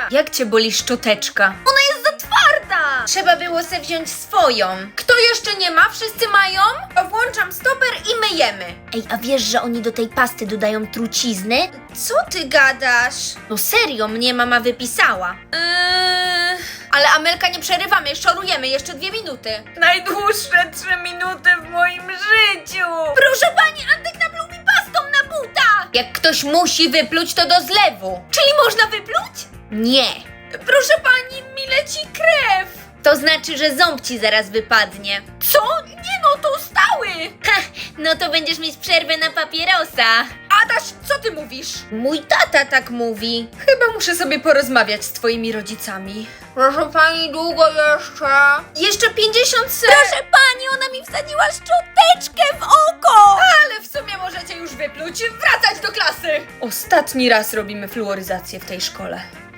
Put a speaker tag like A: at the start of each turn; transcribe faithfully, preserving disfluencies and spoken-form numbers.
A: Jak cię boli szczoteczka?
B: Ona jest za twarda!
A: Trzeba było se wziąć swoją. Kto jeszcze nie ma? Wszyscy mają? To włączam stoper i myjemy.
B: Ej, a wiesz, że oni do tej pasty dodają trucizny?
A: Co ty gadasz?
B: No serio, mnie mama wypisała.
A: Yy... Ale Amelka, nie przerywamy, szorujemy jeszcze dwie minuty. Najdłuższe trzy minuty w moim życiu.
B: Proszę pani, Antek napluł mi pastą na buta!
A: Jak ktoś musi wypluć, to do zlewu.
B: Czyli można wypluć?
A: Nie.
B: Proszę pani, mi leci krew!
A: To znaczy, że ząb ci zaraz wypadnie.
B: Co? Nie no, to stały!
A: Ha, no to będziesz mieć przerwę na papierosa.
B: Adaś, co ty mówisz?
A: Mój tata tak mówi. Chyba muszę sobie porozmawiać z twoimi rodzicami. Proszę pani, długo jeszcze? Jeszcze pięćdziesiąt sekund.
B: Proszę pani, ona mi wsadziła szczoteczkę w oko!
A: Ale w sumie możecie już wypluć, wracać do klasy. Ostatni raz robimy fluoryzację w tej szkole.